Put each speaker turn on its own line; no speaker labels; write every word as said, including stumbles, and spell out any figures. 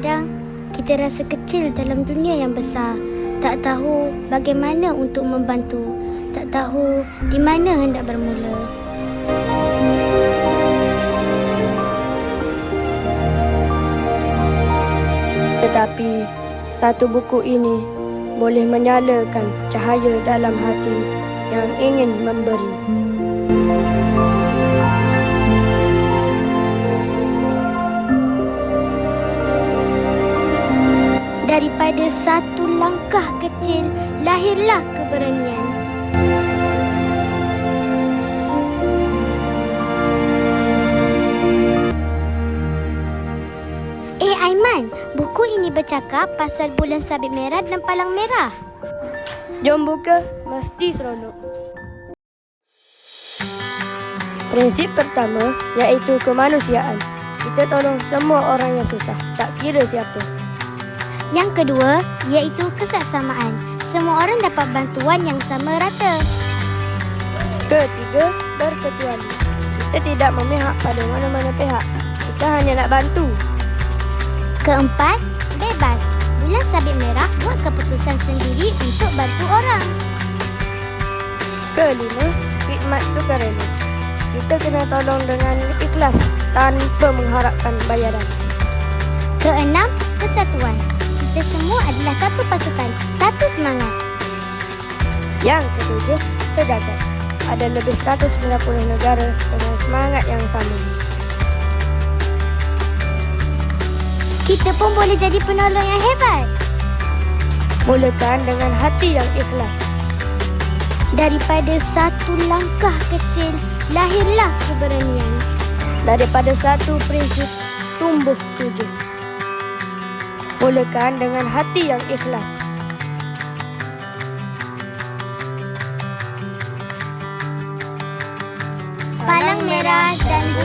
Kadang-kadang kita rasa kecil dalam dunia yang besar. Tak tahu bagaimana untuk membantu. Tak tahu di mana hendak bermula.
Tetapi satu buku ini boleh menyalakan cahaya dalam hati yang ingin memberi.
Daripada satu langkah kecil, lahirlah keberanian. Eh Aiman, buku ini bercakap pasal bulan sabit merah dan palang merah.
Jom buka, mesti seronok. Prinsip pertama iaitu kemanusiaan. Kita tolong semua orang yang susah, tak kira siapa.
Yang kedua, iaitu kesaksamaan. Semua orang dapat bantuan yang sama rata.
Ketiga, berkecuali. Kita tidak memihak pada mana-mana pihak. Kita hanya nak bantu.
Keempat, bebas. Bulan sabit merah buat keputusan sendiri untuk bantu orang.
Kelima, khidmat sukarela. Kita kena tolong dengan ikhlas tanpa mengharapkan bayaran.
Keenam, persatuan. Kita semua adalah satu pasukan, satu semangat.
Yang ketujuh, sejagat. Ada lebih seratus sembilan puluh negara dengan semangat yang sama.
Kita pun boleh jadi penolong yang hebat.
Mulakan dengan hati yang ikhlas.
Daripada satu langkah kecil, lahirlah keberanian.
Daripada satu prinsip, tumbuh tujuh. Mulakan dengan hati yang ikhlas.
Palang merah dan